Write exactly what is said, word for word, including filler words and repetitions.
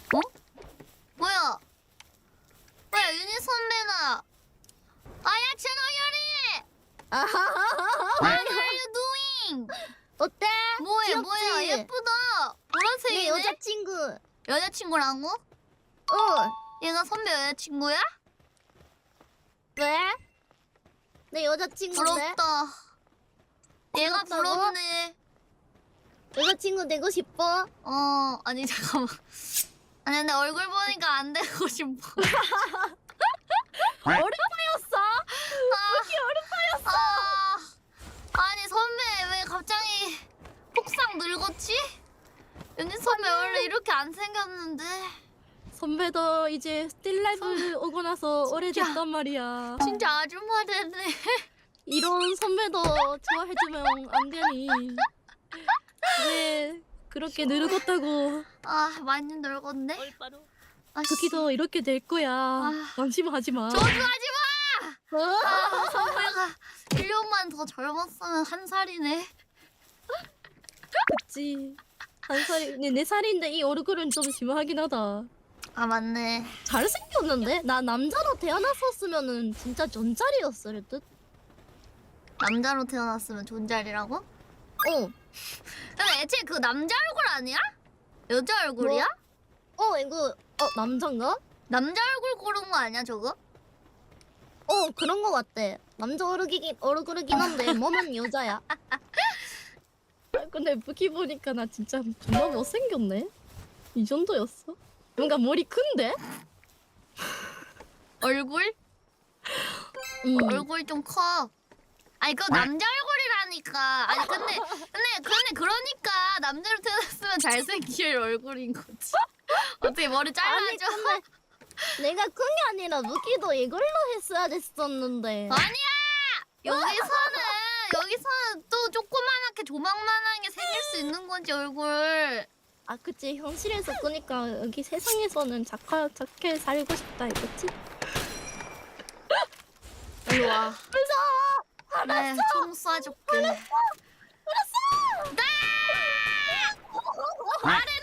어? 뭐야? 뭐야 유니 선배나? 아야 천호열이! What are you doing? 어때? 뭐해 귀엽지? 뭐야 예쁘다. 보라색이네. 내 여자친구. 여자친구라고? 어. 얘가 선배 여자친구야? 왜? 내 여자친구인데? 부럽다. 얘가 부럽다고? 부럽네. 여자친구 되고 싶어? 어 아니 잠깐만. 아니 근데 얼굴 보니까 안 되고 싶어. 어른파였어? 아, 어른파였어. 아, 아니 선배 왜 갑자기 폭삭 늙었지? 윤희 선배 원래 이렇게 안 생겼는데. 선배도 이제 스틸라이브 오고 나서 오래됐단 말이야. 진짜 아줌마 됐네. 이런 선배도 좋아해주면 안 되니. 왜 그렇게 늙었다고. 아 많이 늙었네. 아, 씨. 그기도 이렇게 될 거야. 방심하지 마. 저주하지 마. 아, 선배가 일 년만 더 젊었으면 한 살이네. 그치. 한 살이, 네, 네 살인데 이 얼굴은 좀 심하긴 하다. 아 맞네. 잘생겼는데? 나 남자로 태어났었으면은 진짜 전짜리였을 듯? 남자로 태어났으면 존잘이라고? 어. 근데 애초에 그 남자 얼굴 아니야? 여자 얼굴이야? 어, 이거, 어, 남잔가? 남자 얼굴 고른 거 아니야 저거? 어, 그런 거 같대. 남자 얼굴이긴, 얼굴이긴 한데, 몸은 여자야. 아, 근데 무기 보니까 나 진짜 존나 못생겼네? 이 정도였어? 뭔가 머리 큰데? 얼굴? 음. 얼굴 좀 커. 아니 그거 남자 얼굴이라니까. 아니 근데 근데 근데 그러니까 남자로 태어났으면 잘생길 얼굴인 거지. 어떻게 머리 아니, 잘라줘? 근데 내가 큰 게 아니라 무기도 이걸로 했어야 됐었는데. 아니야! 여기서는 여기서는 또 조그만하게 조망만하게 생길 수 있는 거지 얼굴. 아, 그치. 현실에서 끄니까 여기 세상에서는 착하, 착해 살고 싶다, 이거지? 이리 와. 무서워! 네, 총 쏴줄게. 알았어! 말해!